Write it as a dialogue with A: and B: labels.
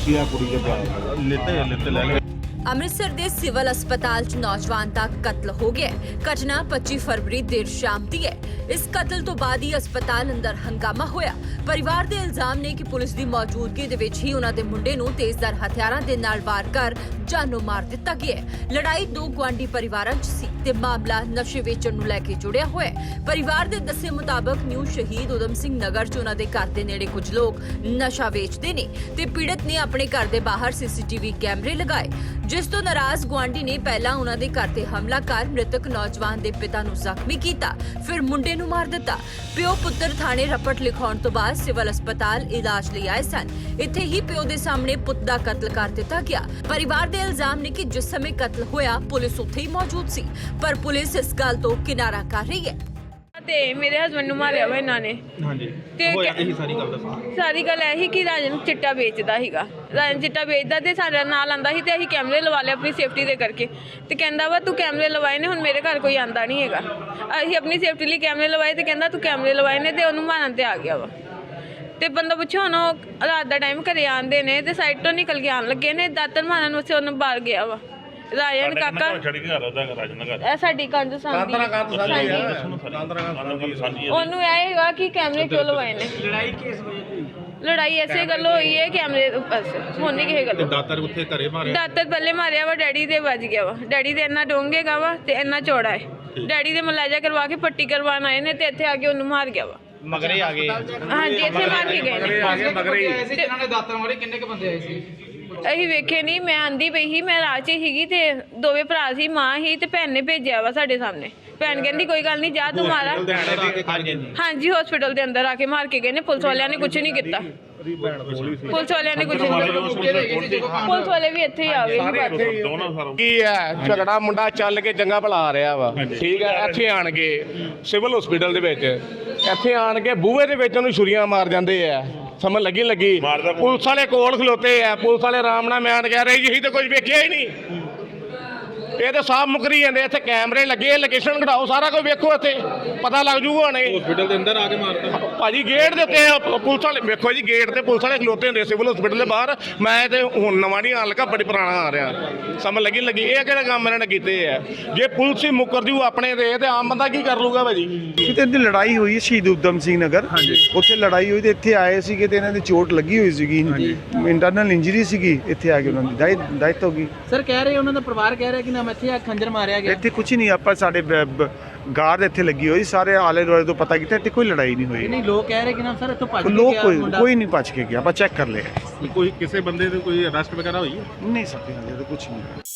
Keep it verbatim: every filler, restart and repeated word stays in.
A: ਦੋਸ਼ੀ ਆ ਕੁੜੀ ਦੇ ਬਿਆਨ ਲਿੱਤੇ ਲਿੱਤੇ ਲੈ ਲਏ।
B: ਅੰਮ੍ਰਿਤਸਰ ਦੇ ਸਿਵਲ ਹਸਪਤਾਲ 'ਚ ਨੌਜਵਾਨ ਦਾ ਕਤਲ ਹੋ ਗਿਆ। ਘਟਨਾ ਪੱਚੀ ਫਰਵਰੀ ਦੇਰ ਸ਼ਾਮ ਦੀ ਹੈ। ਇਸ ਕਤਲ ਤੋਂ ਬਾਅਦ ਹੀ ਹਸਪਤਾਲ ਅੰਦਰ ਹੰਗਾਮਾ ਹੋਇਆ। ਪਰਿਵਾਰ ਦੇ ਇਲਜ਼ਾਮ ਨੇ ਕਿ ਪੁਲਿਸ ਦੀ ਮੌਜੂਦਗੀ ਦੇ ਵਿੱਚ ਹੀ ਉਹਨਾਂ ਦੇ ਮੁੰਡੇ ਨੂੰ ਤੇਜ਼ਧਾਰ ਹਥਿਆਰਾਂ ਦੇ ਨਾਲ ਵਾਰ ਕਰ ਜਾਨੋਂ ਮਾਰ ਦਿੱਤਾ ਗਿਆ ਹੈ। ਲੜਾਈ ਦੋ ਗੁਆਂਢੀ ਪਰਿਵਾਰਾਂ 'ਚ ਸੀ ਤੇ ਮਾਮਲਾ ਨਸ਼ੇ ਵੇਚਣ ਨੂੰ ਲੈ ਕੇ ਜੁੜਿਆ ਹੋਇਆ ਹੈ। ਪਰਿਵਾਰ ਦੇ ਦੱਸੇ ਮੁਤਾਬਕ ਨਿਊ ਸ਼ਹੀਦ ਉਦਮ ਸਿੰਘ ਨਗਰ 'ਚ ਉਹਨਾਂ ਦੇ ਘਰ ਦੇ ਨੇੜੇ ਕੁਝ ਲੋਕ ਨਸ਼ਾ ਵੇਚਦੇ ਨੇ ਤੇ ਪੀੜਤ ਨੇ ਆਪਣੇ ਘਰ ਦੇ ਬਾਹਰ ਸੀਸੀਟੀਵੀ ਕੈਮਰੇ ਲਗਾਏ, ਜਿਸ ਤੋਂ ਨਾਰਾਜ਼ ਗੁਆਂਢੀ ਨੇ ਪਹਿਲਾਂ ਉਹਨਾਂ ਦੇ ਘਰ ਤੇ ਹਮਲਾ ਕਰ ਮ੍ਰਿਤਕ ਨੌਜਵਾਨ ਦੇ ਪਿਤਾ ਨੂੰ ਜ਼ਖਮੀ ਕੀਤਾ, ਫਿਰ ਮੁੰਡੇ ਨੂੰ ਮਾਰ ਦਿੱਤਾ। ਪਿਓ ਪੁੱਤਰ ਥਾਣੇ ਰਪਟ ਲਿਖਾਉਣ ਤੋਂ ਬਾਅਦ ਸਿਵਲ ਹਸਪਤਾਲ ਇਲਾਜ ਲਈ ਆਏ ਸਨ। ਇੱਥੇ ਹੀ ਪਿਓ ਦੇ ਸਾਹਮਣੇ ਪੁੱਤ ਦਾ ਕਤਲ ਕਰ ਦਿੱਤਾ ਗਿਆ। ਪਰਿਵਾਰ ਦੇ ਇਲਜ਼ਾਮ ਨੇ ਕਿ ਜਿਸ ਸਮੇਂ ਕਤਲ ਹੋਇਆ ਪੁਲਿਸ ਉੱਥੇ ਹੀ ਮੌਜੂਦ ਸੀ, ਪਰ ਪੁਲਿਸ ਇਸ ਗੱਲ ਤੋਂ ਕਿਨਾਰਾ ਕਰ ਰਹੀ ਹੈ।
C: ਤੇ ਮੇਰੇ ਹਸਬੰਡ ਨੂੰ ਮਾਰਿਆ ਵਾ ਇਹਨਾਂ ਨੇ।
A: ਹਾਂਜੀ
C: ਤੇ
A: ਹੋਇਆ ਇਹੀ ਸਾਰੀ ਗੱਲ ਦੱਸੋ।
C: ਸਾਰੀ ਗੱਲ ਇਹੀ ਕਿ ਰਾਜਨ ਚਿੱਟਾ ਵੇਚਦਾ ਸੀਗਾ। ਰਾਜਨ ਚਿੱਟਾ ਵੇਚਦਾ ਤੇ ਸਾਡਾ ਨਾਲ ਆਂਦਾ ਸੀ ਤੇ ਅਸੀਂ ਕੈਮਰੇ ਲਵਾ ਲਏ ਆਪਣੀ ਸੇਫਟੀ ਦੇ ਕਰਕੇ। ਤੇ ਕਹਿੰਦਾ ਵਾ ਤੂੰ ਕੈਮਰੇ ਲਵਾਏ ਨੇ, ਹੁਣ ਮੇਰੇ ਘਰ ਕੋਈ ਆਂਦਾ ਨਹੀਂ ਹੈਗਾ। ਅਸੀਂ ਆਪਣੀ ਸੇਫਟੀ ਲਈ ਕੈਮਰੇ ਲਵਾਏ ਤੇ ਕਹਿੰਦਾ ਤੂੰ ਕੈਮਰੇ ਲਵਾਏ ਨੇ ਤੇ ਉਹਨੂੰ ਮਾਰਨ ਤੇ ਆ ਗਿਆ ਵਾ। ਤੇ ਬੰਦਾ ਪੁੱਛੋ ਹੁਣ ਉਹ ਰਾਤ ਦਾ ਟਾਈਮ ਘਰੇ ਆਂਦੇ ਨੇ ਤੇ ਸਾਈਡ ਤੋਂ ਨਿਕਲ ਕੇ ਆਣ ਲੱਗੇ ਨੇ, ਦਾਤਰ ਮਾਰਨ ਵਾਸਤੇ ਉਹਨੂੰ ਬਾਹਰ ਗਿਆ ਵਾ। ਰਾਜਨ ਕਾਕਾ ਇਹ ਸਾਡੀ ਕੰਧ ਸਾਂਝੀ ਉਹਨੂੰ ਇਹ ਹੈਗਾ ਕਿ ਕੈਮਰੇ ਕਿਉਂ ਲਵਾਏ ਨੇ। ਲੜਾਈ ਕਿਸ ਵਜ੍ਹਾ ਲੜਾਈ ਐਸੇ ਗੱਲ ਹੋਈ ਹੈ ਕੈਮਰੇ ਬਸ ਹੁਣ ਨਹੀਂ ਕਿਸੇ ਗੱਲ।
A: ਦਾਤਰ ਉੱਥੇ ਘਰੇ ਮਾਰਿਆ,
C: ਦਾਤਰ ਪਹਿਲੇ ਮਾਰਿਆ ਵਾ, ਡੈਡੀ ਦੇ ਵੱਜ ਗਿਆ ਵਾ। ਡੈਡੀ ਦੇ ਇੰਨਾ ਡੋਂਗੇਗਾ ਵਾ ਤੇ ਇੰਨਾ ਚੌੜਾ ਹੈ। ਡੈਡੀ ਦੇ ਮਲਾਜਾ ਕਰਵਾ ਕੇ ਪੱਟੀ ਕਰਵਾਉਣ ਆਏ ਨੇ ਤੇ ਇੱਥੇ ਆ ਕੇ ਉਹਨੂੰ ਮਾਰ ਗਿਆ ਵਾ।
A: ਮਗਰੇ ਆ ਗਏ।
C: ਹਾਂਜੀ ਇੱਥੇ ਮਾਰ ਕੇ ਗਏ ਨੇ।
D: ਜਿਹਨਾਂ ਨੇ ਦਾਤਰ ਮਾਰੇ ਕਿੰਨੇ ਕ ਬੰਦੇ ਆਏ ਸੀ?
C: ਅਸੀਂ ਵੇਖੇ ਨਹੀਂ, ਮੈਂ ਆਂਦੀ ਪਈ ਸੀ, ਮੈਂ ਰਾਹ 'ਚ ਸੀਗੀ ਤੇ ਦੋਵੇਂ ਭਰਾ ਸੀ, ਮਾਂ ਸੀ ਤੇ ਭੈਣ ਨੇ ਭੇਜਿਆ ਵਾ ਸਾਡੇ ਸਾਹਮਣੇ। ਭੈਣ ਕਹਿੰਦੀ ਕੋਈ ਗੱਲ ਨਹੀਂ ਜਾ ਤੂੰ ਮਾਰਾ। ਹਾਂਜੀ ਹਸਪੀਟਲ ਦੇ ਅੰਦਰ ਆ ਕੇ ਮਾਰ ਕੇ ਗਏ ਨੇ। ਪੁਲਿਸ ਵਾਲਿਆਂ ਨੇ ਕੁਝ ਨਹੀਂ ਕੀਤਾ। ਪੁਲਿਸ ਵਾਲਿਆਂ ਨੇ ਕੁਝ ਨਹੀਂ ਕੀਤਾ। ਪੁਲਿਸ ਵਾਲੇ ਵੀ ਇੱਥੇ ਹੀ ਆ ਗਏ।
E: ਕੀ ਹੈ ਝਗੜਾ ਮੁੰਡਾ ਚੱਲ ਕੇ ਚੰਗਾ ਭਲਾ ਆ ਰਿਹਾ ਵਾ, ਠੀਕ ਹੈ। ਇੱਥੇ ਆਣ ਕੇ ਸਿਵਲ ਹਸਪੀਟਲ ਦੇ ਵਿੱਚ ਇੱਥੇ ਆਣ ਕੇ ਬੂਹੇ ਦੇ ਵਿੱਚ ਉਹਨੂੰ ਛੁਰੀਆਂ ਮਾਰ ਜਾਂਦੇ ਆ। ਸਮਝ ਲੱਗੀ ਲੱਗੀ ਪੁਲਿਸ ਵਾਲੇ ਕੋਲ ਖਲੋਤੇ ਆ। ਪੁਲਿਸ ਵਾਲੇ ਆਰਾਮ ਨਾਲ ਮੈਂ ਕਹਿ ਰਹੇ ਜੀ ਤਾਂ ਕੁਝ ਵੇਖਿਆ ਹੀ ਨਹੀਂ। ਇਹ ਤਾਂ ਸਾਫ ਮੁਕਰੀ ਜਾਂਦੇ। ਇੱਥੇ ਕੈਮਰੇ ਲੱਗੇ, ਲੋਕੇਸ਼ਨ ਘਟਾਓ, ਸਾਰਾ ਕੁਝ ਵੇਖੋ, ਇੱਥੇ ਪਤਾ ਲੱਗ ਜੂਗਾ ਹੁਣੇ।
A: ਹਸਪੀਟਲ ਦੇ ਅੰਦਰ ਆ ਕੇ ਮਾਰਦਾ
E: ਭਾਜੀ ਗੇਟ ਦੇ ਉੱਤੇ ਪੁਲਿਸ ਵਾਲੇ ਵੇਖੋ ਜੀ, ਗੇਟ ਤੇ ਪੁਲਿਸ ਵਾਲੇ ਖਲੋਤੇ ਹੁੰਦੇ ਸਿਵਲ ਹਸਪੀਟਲ ਦੇ ਬਾਹਰ। ਮੈਂ ਤੇ ਹੁਣ ਨਵਾਂ ਨਹੀਂ ਆਣ ਲੱਗਾ, ਬੜੀ ਪੁਰਾਣਾ ਆ ਰਿਹਾ। ਸਮਝ ਲੱਗੀ ਲੱਗੀ ਇਹ ਕਿਹੜੇ ਕੰਮ ਇਹਨਾਂ ਨੇ ਕੀਤੇ ਆ। ਜੇ ਪੁਲਿਸ ਹੀ ਮੁੱਕਰ ਜੂ ਆਪਣੇ ਤੇ ਤੇ ਆਮ ਬੰਦਾ ਕੀ ਕਰ ਲੂਗਾ ਭਾਜੀ।
F: ਕਿਤੇ ਇਹਦੀ ਲੜਾਈ ਹੋਈ ਸ਼ਹੀਦ ਉਦਮ ਸਿੰਘ ਨਗਰ, ਉੱਥੇ ਲੜਾਈ ਹੋਈ ਤੇ ਇੱਥੇ ਆਏ ਸੀਗੇ ਤੇ ਇਹਨਾਂ ਦੀ ਚੋਟ ਲੱਗੀ ਹੋਈ ਸੀਗੀ, ਇੰਟਰਨਲ ਇੰਜਰੀ ਸੀਗੀ। ਇੱਥੇ ਆ ਕੇ ਉਹਨਾਂ ਦੀ ਡੈਥ ਹੋ ਗਈ।
D: ਸਰ ਕਹਿ ਰਹੇ ਉਹਨਾਂ ਦਾ ਪਰਿਵਾਰ ਕਹਿ ਰਿਹਾ ਕਿ ਨਾ ਇੱਥੇ ਆ ਖੰਜਰ ਮਾਰਿਆ ਗਿਆ।
F: ਇੱਥੇ ਕੁਝ ਨਹੀਂ, ਆਪਾਂ ਸਾਡੇ ਗਾਰਡ ਇੱਥੇ ਲੱਗੀ ਹੋਈ, ਸਾਰੇ ਆਲੇ ਦੁਆਲੇ ਤੋਂ ਪਤਾ ਕੀਤਾ ਇੱਥੇ ਕੋਈ ਲੜਾਈ ਨਹੀਂ ਹੋਈ।
D: ਨਹੀਂ ਲੋਕ ਕਹਿ ਰਹੇ ਕਿ ਨਾ ਸਰ ਇੱਥੋਂ ਭੱਜ ਕੇ
F: ਲੋਕ
D: ਗਿਆ
F: ਕੋਈ
D: ਮੁੰਡਾ।
F: ਕੋਈ ਨਹੀਂ ਭੱਜ ਕੇ ਗਿਆ, ਆਪਾਂ ਚੈੱਕ ਕਰ ਲਿਆ।
A: ਕੋਈ ਕਿਸੇ ਬੰਦੇ ਦੇ ਕੋਈ ਅਰੈਸਟ ਵਗੈਰਾ ਹੋਈ ਹੈ?
F: ਨਹੀਂ ਸਕਦੇ, ਹਾਲੇ ਤਾਂ ਕੁਝ ਨਹੀਂ।